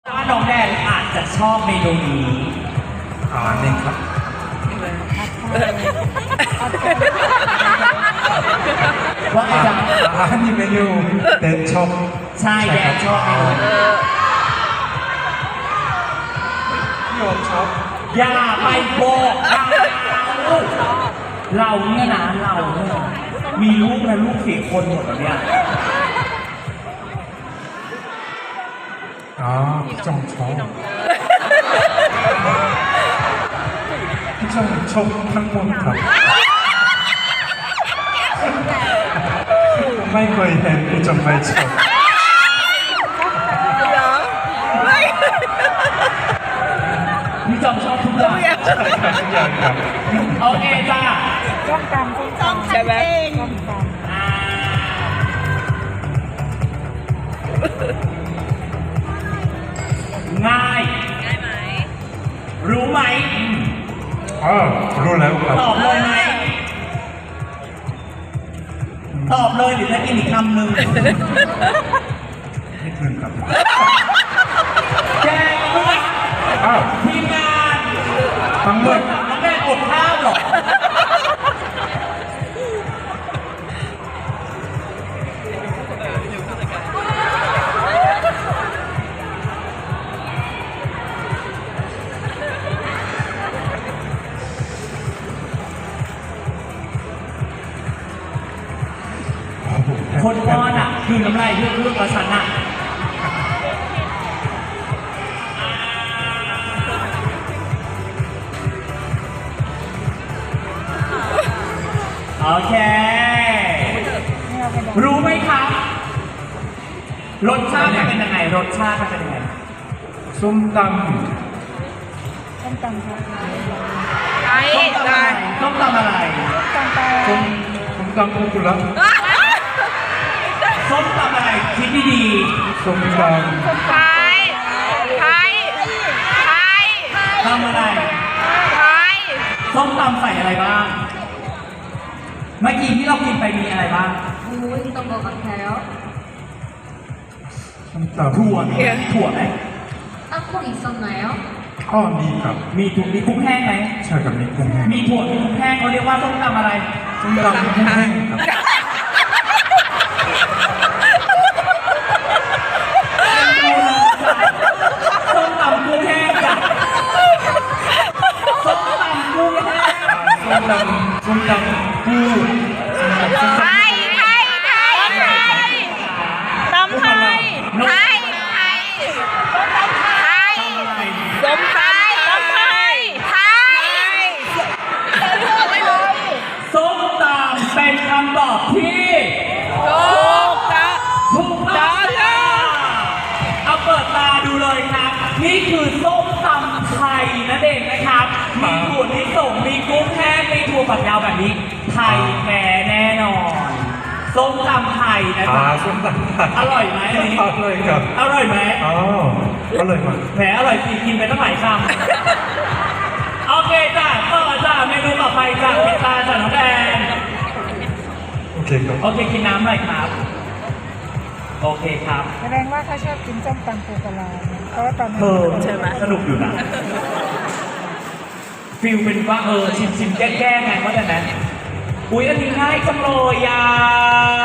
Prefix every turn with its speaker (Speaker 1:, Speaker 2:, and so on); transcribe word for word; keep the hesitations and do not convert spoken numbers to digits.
Speaker 1: ว่าน้องแดนอาจจะชอบเมนูนี้
Speaker 2: อ่านี่ครับ
Speaker 1: ว่าไงจ๊ะ
Speaker 2: อาหารนี่เมนูเด็ดชอบ
Speaker 1: ใช่แดนชอบเมนู
Speaker 2: พี่โอมชอบ
Speaker 1: อย่าไปบอกเราเราเนี่ยนะเราเนี่ยมีลูกและลูกเสียคนหมดแล้วเนี่ย
Speaker 2: อ๋อพี่จงชอบพี่จงชอบทั้งหมดครับไม่เคยเห็นพี่จงไม่ชอบ
Speaker 1: พี่จอมชอบทุกอย่าง
Speaker 2: ใช่ครับทุกอย่างครับ
Speaker 1: โอเคจ้า
Speaker 3: จ้องกันจ้องกันใช่ไหมจ้องกัน
Speaker 1: ง่ายง่ายไหมรู้ไหม
Speaker 2: อ๋อรู้แล้วครับ
Speaker 1: ตอบเลยไหมตอบเลยหรือจะกินอีกคำหนึ่ง
Speaker 2: นิดนึงครับ
Speaker 1: แกงรู้ไหม
Speaker 2: อ้าว
Speaker 1: ทีมงาน
Speaker 2: ทั้งหมด
Speaker 1: น้องแดงอดข้าวหรอคนป้อนอ่ะคือน้ำลายเรื่องเรื่องประชันอ่ะโอเครู้ไหมครับรสชาติมันเป็นยังไงรสชาติมันเป็นยังไง
Speaker 2: ส้มตำ
Speaker 3: ส้มตำครับ
Speaker 1: ส้มตำอะไรส้มตำอะไร
Speaker 3: ส้มตำ
Speaker 2: ส้มส้มตำโอคุระ
Speaker 1: ส้มตำอะไรคิดดี
Speaker 2: ๆส้มตำ
Speaker 4: ไทยไทยไทย
Speaker 1: ทำอะไร
Speaker 4: ไทย
Speaker 1: ส้มตำใส่อะไรบ้างเมื่อกี้ที่เรากินไปมีอะไรบ้าง
Speaker 3: โอ้ยต้องบอกกันแล้ว
Speaker 2: ส้มตำ
Speaker 1: ถั่วไหมถั่วไหม
Speaker 3: อ่ะคุณอีกสักไหนอ่ะ
Speaker 2: อ๋อมีครับ
Speaker 1: มีถุงมีกุ้งแห้งไหม
Speaker 2: ใช่ครับมีกุ้งแห้ง
Speaker 1: มีถั่วมีกุ้งแห้งเขาเรียกว่าส้มตำอะไร
Speaker 2: ส้มตำกุ้งแห้งครับ
Speaker 1: ส้มตำกุ้งแห้งจ้ะส้มตำกุ้งแห้ง
Speaker 2: ส้มตำส้มตำปู
Speaker 4: ไทยไทยไทยไทยตำไทยไทยไทยไทยส้มตำตำไทยไทย
Speaker 1: ส้มตำเป็นคำตอบที่
Speaker 4: ถูกจ้ะ
Speaker 1: ถูกต้องค่ะเอาเปิดตาดูเลยครับนี่คือส้มตำไทยนั่นเองนะครับมีถั่วลิสงมีกุ้งแห้งมีถั่วฝักยาวแบบนี้ไทยแท้แน่นอนส้มตำไทยนะจ๊ะ
Speaker 2: ส้มตำไทย
Speaker 1: อร่อยไหมอันนี้
Speaker 2: อร่อยครับ
Speaker 1: อร่อยไหม
Speaker 2: อ๋ออร่อยมาก
Speaker 1: แหมอร่อยสิกินไปตั้งหลายคำโอเคจ้ะต่อจ้ะเมนูต่อไปจ้ะพิซซ่าจ้ะน้องแดง
Speaker 2: โอเคครับ
Speaker 1: โอเคกินน้ำหน่อยครับโอเคครับ
Speaker 3: แสดงว่าเขาชอบกินส้มตำปูปลาเพราะว่าตอนนี้
Speaker 1: ใช่ไหมสนุกอยู่นะฟิลเป็นว่าเออชิมชิมแก้ๆไงว่าแต่นั้นอุ๊ยอันนี้ง่ายจังเลยอ่ะ